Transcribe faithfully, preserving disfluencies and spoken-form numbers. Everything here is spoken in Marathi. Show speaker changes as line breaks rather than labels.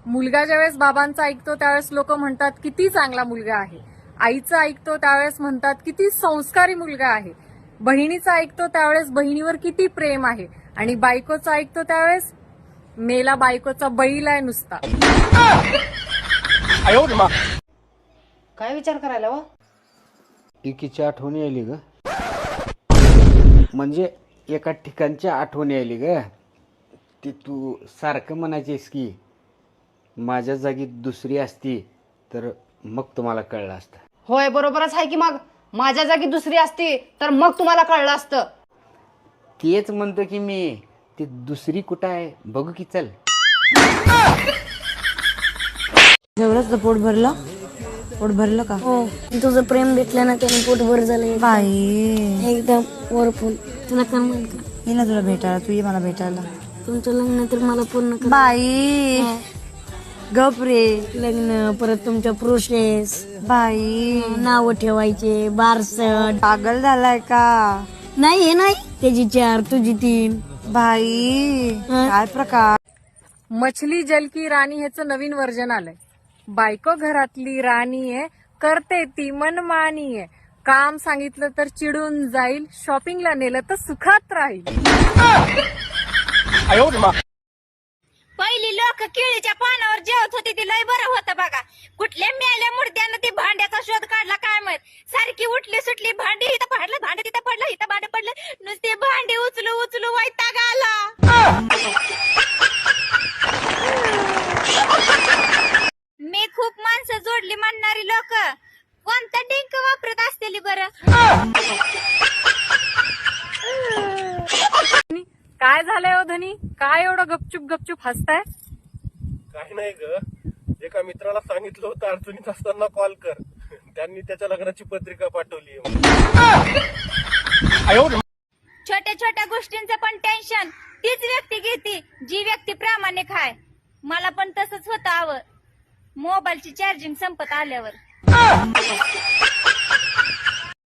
मुलगा ज्यावेळेस बाबांचा ऐकतो त्यावेळेस लोक म्हणतात किती चांगला मुलगा आहे. आईचं ऐकतो त्यावेळेस म्हणतात किती संस्कारी मुलगा आहे. बहिणीचं ऐकतो त्यावेळेस बहिणीवर किती प्रेम आहे. आणि बायकोचं ऐकतो त्यावेळेस मेला बायकोचा बैल आहे नुसता.
काय विचार करायला वा?
एकीची आठवणी आली ग, म्हणजे एका ठिकाणची आठवणी आली ग. ती तू सारखं म्हणायचीस की माझ्या जागी दुसरी असती तर मग तुम्हाला कळलं असतं.
होय, बरोबरच आहे की. मग माझ्या जागी दुसरी असती तर मग तुम्हाला कळलं असतं.
तेच म्हणतो की मी, ती दुसरी कुठं आहे बघू की. चल.
जेवढंच पोट भरलं? पोट भरलं का?
हो, तुझं प्रेम भेटलं ना त्याने पोट भर झालं
बाई,
एकदम वरपून. तुला करमल का?
ये ना तुला भेटायला, तू ये मला भेटायला.
तुमचं लग्न तर मला पूर्ण कर.
बाई गप रे.
लग्न परत तुमच्या प्रोसेस,
बाई
नाव ठेवायचे, बारसट.
पागल झालाय का?
नाही हे नाही, त्याची चार तुझी तीन.
बाई काय प्रकार.
मछली जल की राणी ह्याचं नवीन व्हर्जन आलंय. बायको घरातली राणी आहे, करते ती मनमानी आहे. काम सांगितलं तर चिडून जाईल, शॉपिंगला नेलं तर सुखात राहील.
पहिली लोक केळीच्या पानावर जेवत होती ती लय बरं होतं बघा. कुठल्या मेल्या मुर्द्यानं ती भांड्याचा शोध काढला काय माहित. सारखी उठली सुटली, भांडी इथं पडलं, भांडे तिथं पडलं, इथं भांडे पडलं, नुसते भांडी उचलू उचलू वैताग आला. मी खूप माणसं जोडली म्हणणारी लोक कोणता डिंक वापरत असतेली बरं.
काय झालंय हो धनी, काय एवढं गपचूप गपचूप हसताय?
काही नाही ग, एका मित्राला सांगितलं होतं अडचणीत असताना कॉल कर. त्यांनी त्याच्या लग्नाची पत्रिका पाठवली.
छोट्या छोट्या गोष्टींचं पण टेन्शन तीच व्यक्ती घेते जी व्यक्ती प्रामाणिक आहे. मला पण तसंच होतं. आवं मोबाईलची चार्जिंग संपत आल्यावर